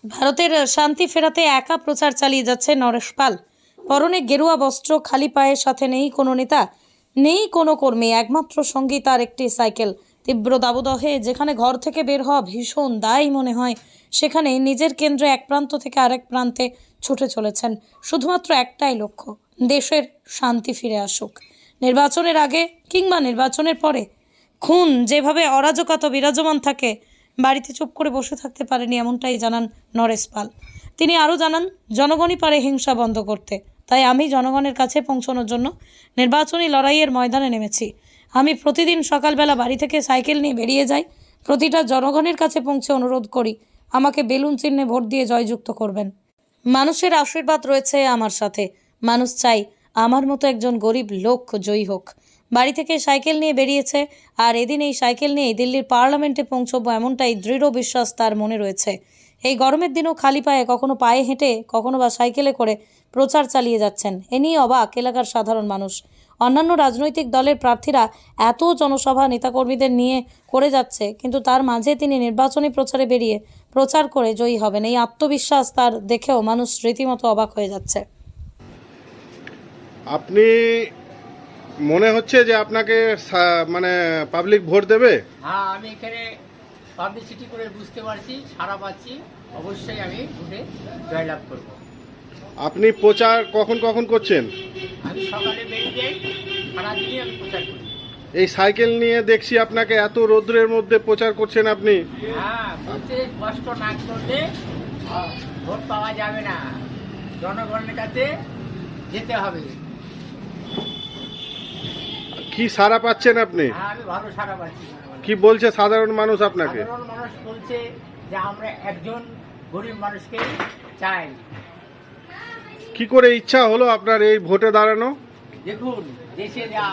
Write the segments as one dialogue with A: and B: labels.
A: ভারতের শান্তি ফেরাতে একা প্রচার চালিয়ে যাচ্ছে নরেশ পাল। পরনে গেরুয়া বস্ত্র, খালি পায়ের, সাথে নেই কোনো নেতা, নেই কোনো কর্মী, একমাত্র সঙ্গী তার একটি সাইকেল। তীব্র দাবদাহে যেখানে ঘর থেকে বের হওয়া ভীষণ দায় মনে হয়, সেখানে নিজের কেন্দ্রে এক প্রান্ত থেকে আরেক প্রান্তে ছুটে চলেছেন শুধুমাত্র একটাই লক্ষ্য, দেশের শান্তি ফিরে আসুক। নির্বাচনের আগে কিংবা নির্বাচনের পরে খুন যেভাবে অরাজকতা বিরাজমান থাকে, বাড়িতে চুপ করে বসে থাকতে পারেনি, এমনটাই জানান নরেশ পাল। তিনি আরও জানান, জনগণই পারে হিংসা বন্ধ করতে, তাই আমি জনগণের কাছে পৌঁছানোর জন্য নির্বাচনী লড়াইয়ের ময়দানে নেমেছি। আমি প্রতিদিন সকালবেলা বাড়ি থেকে সাইকেল নিয়ে বেরিয়ে যাই, প্রতিটা জনগণের কাছে পৌঁছে অনুরোধ করি আমাকে বেলুন চিহ্নে ভোট দিয়ে জয়যুক্ত করবেন। মানুষের আশীর্বাদ রয়েছে আমার সাথে, মানুষ চাই আমার মতো একজন গরিব লোক জয়ী হোক। বাড়ি থেকে সাইকেল নিয়ে বেরিয়েছে, আর এদিন এই সাইকেল নিয়েই দিল্লির পার্লামেন্টে পৌঁছবো, এমনটাই দৃঢ় বিশ্বাস তার মনে রয়েছে। এই গরমের দিনেও খালি পায়ে, কখনো পায়ে হেঁটে, কখনো বা সাইকেলে করে প্রচার চালিয়ে যাচ্ছেন। এ নিয়ে অবাক এলাকার সাধারণ মানুষ। অন্যান্য রাজনৈতিক দলের প্রার্থীরা এত জনসভা নেতাকর্মীদের নিয়ে করে যাচ্ছে, কিন্তু তার মাঝে তিনি নির্বাচনী প্রচারে বেরিয়ে প্রচার করে জয়ী হবেন, এই আত্মবিশ্বাস তার দেখেও মানুষ রীতিমতো অবাক হয়ে যাচ্ছে।
B: আপনি মনে হচ্ছে যে আপনাকে মানে পাবলিক ভোট দেবে?
C: হ্যাঁ, আমি এখানে পাবলিসিটি করে বুঝতে পারছি, সারা পাচ্ছি, অবশ্যই আমি ভোটে জয়লাভ করব।
B: আপনি প্রচার কখন কখন করছেন?
C: আমি সকালে বেরিয়ে যাই, সারাদিনই আমি প্রচার করি।
B: এই সাইকেল নিয়ে দেখছি আপনাকে এত রৌদ্রের মধ্যে প্রচার করছেন আপনি।
C: হ্যাঁ, বলতে কষ্ট না করলে ভোট পাওয়া যাবে না, জনগণের কাছে যেতে হবে।
B: কি সাড়া পাচ্ছেন আপনি?
C: হ্যাঁ, আমি ভালো সারা পাচ্ছি।
B: কি বলছে সাধারণ মানুষ আপনাকে?
C: সাধারণ মানুষ বলছে যে আমরা একজন গরিব মানুষকে চাই।
B: কি করে ইচ্ছা হলো আপনার এই ভোটে দাঁড়ানো?
C: দেখুন, দেশে যা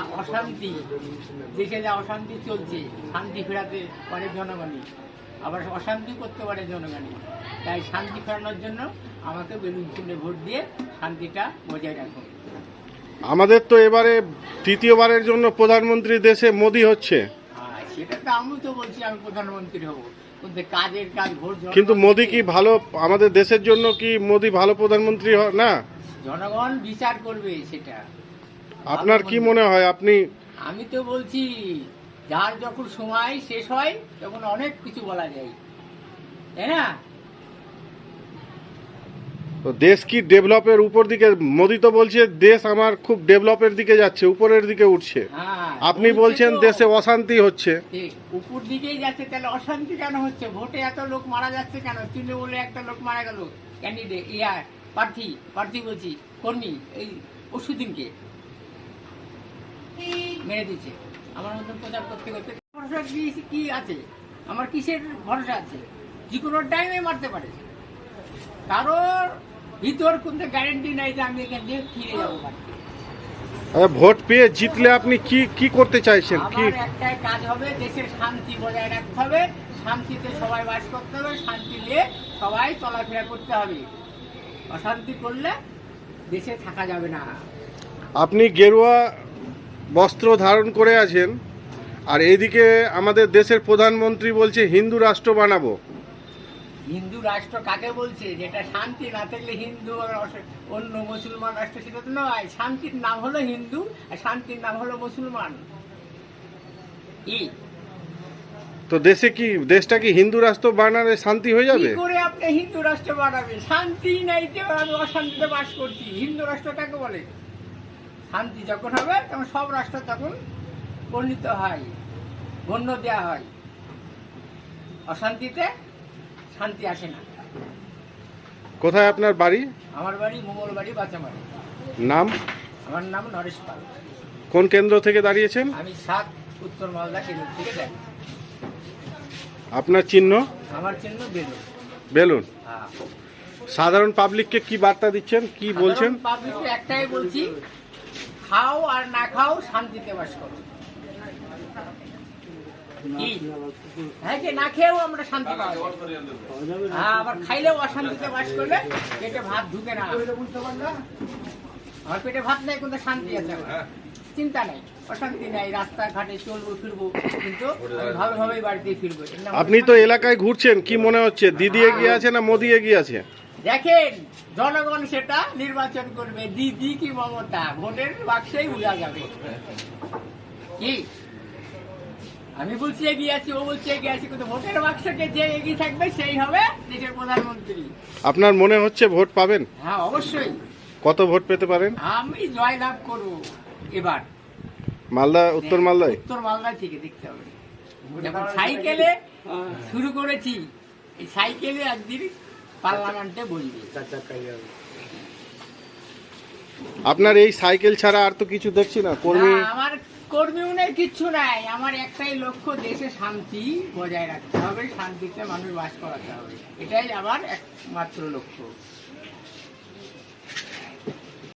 C: অশান্তি চলছে, শান্তি ফেরাতে পারে জনগণই, আবার অশান্তি করতে পারে জনগণই। তাই শান্তি ফেরানোর জন্য আমাকে বেলুন চিহ্নে ভোট দিয়ে শান্তিটা বজায় রাখুন।
B: আমাদের তো এবারে তৃতীয়বারের জন্য প্রধানমন্ত্রী দেশে মোদি হচ্ছে।
C: সেটা তো আমি তো বলছি আমি প্রধানমন্ত্রী হব, কিন্তু কাজের কাজ ভোট।
B: কিন্তু মোদি কি ভালো, আমাদের দেশের জন্য কি মোদি ভালো প্রধানমন্ত্রী না?
C: জনগণ বিচার করবে সেটা।
B: আপনার কি মনে হয়?
C: আমি তো বলছি, যার যখন সময় শেষ হয় তখন অনেক কিছু বলা যায়, তাই না?
B: তো দেশ কি ডেভেলপের উপর দিকে? মোদি তো বলছে দেশ আমার খুব ডেভেলপের দিকে যাচ্ছে, উপরের দিকে উঠছে।
C: হ্যাঁ,
B: আপনি বলছেন দেশে অশান্তি হচ্ছে।
C: উপর দিকেই যাচ্ছে, তাহলে অশান্তি কেন হচ্ছে? ভোটে এত লোক মারা যাচ্ছে কেন? তৃণমূলে একটা লোক মারা গেল, ক্যান্ডিডেট প্রার্থী বলছি, কর্মী, এই পরশুদিনকে মেরে দিচ্ছে। আমার মতন প্রচার করতে করতে ভরসা কি আছে? আমার কিসের ভরসা আছে? যে কোনো টাইমে মারতে পারে। কারোর ভিতর কোনো গ্যারেন্টি নাই যে আমি এখান দিয়ে ফিরে যাবো বাড়িতে।
B: ভোট পেয়ে জিতলে আপনি কি করতে চাইছেন? কি
C: আমার একটাই কাজ হবে, দেশের শান্তি বজায় রাখতে হবে, শান্তিতে সবাই বাস করতে হবে, শান্তি নিয়ে সবাই চলাফেরা করতে হবে। অশান্তি করলে দেশে থাকা যাবে না।
B: আপনি গেরুয়া বস্ত্র ধারণ করে আছেন, আর এইদিকে আমাদের দেশের প্রধানমন্ত্রী বলছে হিন্দু রাষ্ট্র বানাবো।
C: হিন্দু রাষ্ট্র কাকে বলছে? যেটা শান্তি না থাকলে হিন্দু আর অন্য মুসলমান রাষ্ট্র, সেটা তো নয়। শান্তির নাম হলো হিন্দু, আর শান্তির নাম হলো মুসলমান।
B: তো দেশটা কি হিন্দু রাষ্ট্র বানালে শান্তি হয়ে যাবে?
C: কি করে আপনি হিন্দু রাষ্ট্র বানাবে? শান্তি নাই যে আমি অশান্তিতে বাস করছি। হিন্দু রাষ্ট্র কাকে বলে? শান্তি যখন হবে তখন সব রাষ্ট্র তখন বর্ণিত হয়, গণ্য দেওয়া হয়। অশান্তিতে শান্তি আসে না।
B: কোথায় আপনার বাড়ি?
C: আমার বাড়ি মঙ্গলবাড়ি, বাঁচামারি।
B: নাম?
C: আমার নাম নরেশ পাল।
B: কোন কেন্দ্র থেকে দাঁড়িয়েছেন?
C: আমি 7 উত্তর মালদা কেন্দ্র থেকে যাই।
B: আপনার চিহ্ন?
C: আমার চিহ্ন বেলুন।
B: বেলুন।
C: হ্যাঁ।
B: সাধারণ পাবলিককে কি বার্তা দিচ্ছেন, কি বলছেন?
C: পাবলিককে একটাই বলছি, খাও আর না খাও, শান্তিতে বাস করো। হ্যাঁ, যে না খেয়েও আমরা শান্তি পাবো। হ্যাঁ, আবার খাইলেও অশান্তিতে বাস করলে পেটে ভাত ঢুকে না। আমার পেটে ভাত নেই, কিন্তু শান্তি আছে আমার। চিন্তা নাই, অশান্তি নাই, রাস্তাঘাটে চলবো ফিরবো, কিন্তু আমি ভালোভাবেই বাড়িতে ফিরবো। এর নাম
B: আপনি তো এলাকায় ঘুরছেন, কি মনে হচ্ছে দিদি এগিয়ে আছে না মোদি এগিয়ে আছে?
C: দেখেন, জনগণ সেটা নির্বাচন করবে, দিদি কি মমতা, ভোটের বাক্সেই বোঝা যাবে। কি আমি বলছি এগিয়ে আছি, ও বলছে এগিয়ে আছি, কিন্তু ভোটের বাক্সকে যে এগিয়ে থাকবে সেই হবে দেশের প্রধানমন্ত্রী।
B: আপনার মনে হচ্ছে ভোট পাবেন?
C: হ্যাঁ, অবশ্যই
B: কত ভোট পেতে পারেন?
C: আমি জয়লাভ করবো এবার।
B: মালদা, উত্তর মালদায়?
C: উত্তর মালদা থেকে দেখতে হবে। যখন সাইকেলে শুরু করেছি, এই সাইকেলে একদিন পার্লামেন্টে বসবে।
B: আপনার এই সাইকেল ছাড়া আর তো কিছু দেখছি না কর্মী।
C: না, আমার কর্মীও নেই, কিচ্ছু নাই। আমার একটাই লক্ষ্য, দেশে শান্তি বজায় রাখতে হবে, শান্তিতে মানুষ বাস করাতে হবে, এটাই আমার একমাত্র লক্ষ্য।